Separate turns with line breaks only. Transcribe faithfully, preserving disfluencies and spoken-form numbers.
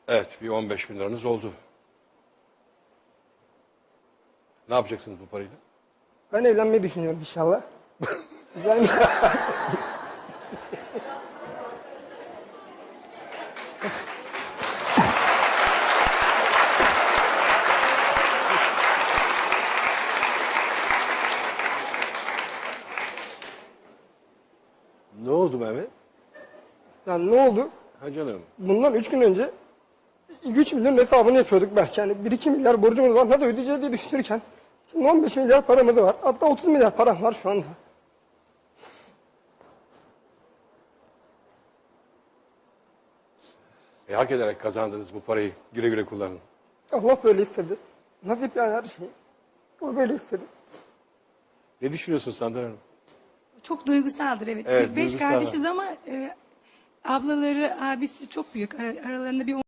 Evet, bir on beş bin liranız oldu. Ne yapacaksınız bu parayla?
Ben evlenmeyi düşünüyorum inşallah. Yani
Ne oldu Mehmet?
yani ne oldu?
Ha canım.
Bundan üç gün önce üç milyon hesabını yapıyorduk belki. Yani bir iki milyar borcumuz var. Nasıl ödeyeceğiz diye düşünürken şimdi on beş milyar paramız var. Hatta otuz milyar param var şu anda.
E, hak ederek kazandınız bu parayı. Güle güle kullanın.
Allah böyle istedi. Nasip yani her şey. O böyle istedi.
Ne düşünüyorsun Sandra Hanım?
Çok duygusaldır evet.
Evet,
Biz beş
duygusal.
kardeşiz ama e, ablaları, abisi çok büyük. Ara- aralarında bir